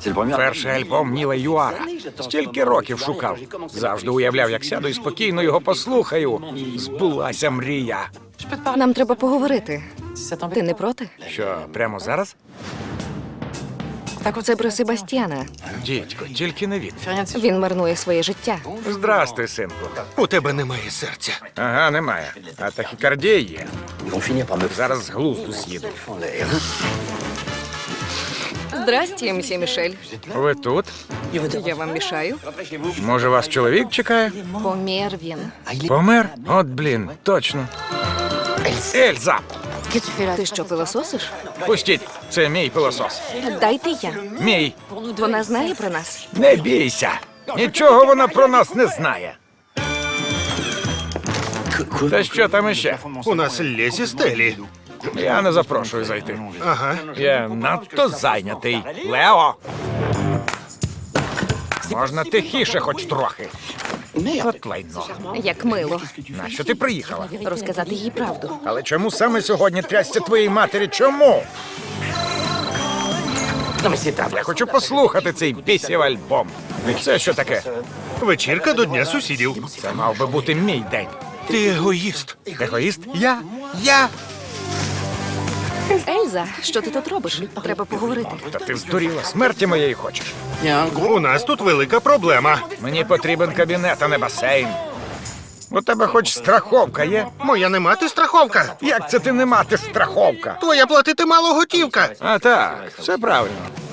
Перший альбом Ніла Юара. Стільки років шукав. Завжди уявляв, як сяду і спокійно його послухаю. Збулася мрія. Нам треба поговорити. Ти не проти? Що, прямо зараз? Це про Себастьяна. Дідько, тільки не він. Він марнує своє життя. Здрасти, синку. У тебе немає серця. Ага, немає. А тахікардія є. Зараз з глузду з'їду. Здрасте, мсьє Мішель. Ви тут? Я вам мішаю? Може, вас чоловік чекає? Помер він. Помер? От, блін, точно. Ельза! Ти що, пилососиш? Пустіть, це мій пилосос. Дайте я. Мій. Вона знає про нас? Не бійся. Нічого вона про нас не знає. Та що там іще? У нас лезі стелі. Я не запрошую зайти. Ага. Я надто зайнятий. Лео! Можна тихіше хоч трохи. От лайно. Як мило. Нащо ти приїхала? Розказати їй правду. Але чому саме сьогодні трясся твоїй матері? Чому? Я хочу послухати цей бісів альбом. Це що таке? Вечірка до Дня сусідів. Це мав би бути мій день. Ти егоїст. Егоїст? Я? Ельза, що ти тут робиш? Треба поговорити. Та ти здуріла, смерті моєї хочеш. У нас тут велика проблема. Мені потрібен кабінет, а не басейн. У тебе хоч страховка є? Моя не мати страховка. Як це ти не мати страховка? Твоя платити мало готівка. А так, все правильно.